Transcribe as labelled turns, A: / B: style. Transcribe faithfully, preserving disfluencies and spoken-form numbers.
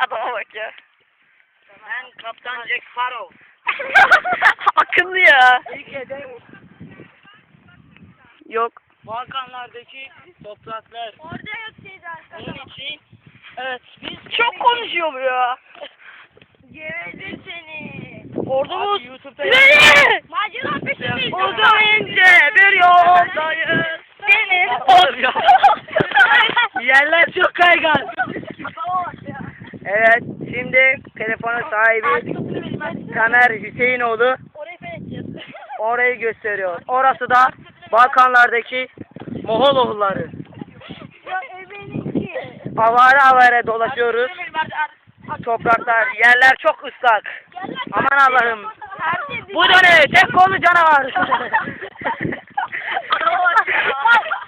A: Adama bak ya.
B: Ben Kaptan Jack Sparrow.
A: Akıllı ya.
B: İlk hedef
A: Yok.
B: Balkanlardaki topraklar.
C: Orada yok şey zaten.
B: Onun için evet biz
A: Çok konuşuyor bu ya.
C: Gevezin seni.
A: Ordumuz.
B: Abi YouTube'da
A: İleri!
C: Macera peşindeyiz.
A: Uzun ince bir yoldayız. Deniz.
B: Oğlum ya. Yerler çok kaygan.
A: Evet, şimdi telefonun sahibi Tamer Hüseyinoğlu
C: Orayı fethedeceğiz.
A: orayı gösteriyor. Orası da Balkanlardaki Moğoloğulları.
C: Ya ebeninki.
A: Avare avare dolaşıyoruz. Topraklar, yerler çok ıslak. Aman Allah'ım. Bu da ne? Tek kolu canavar.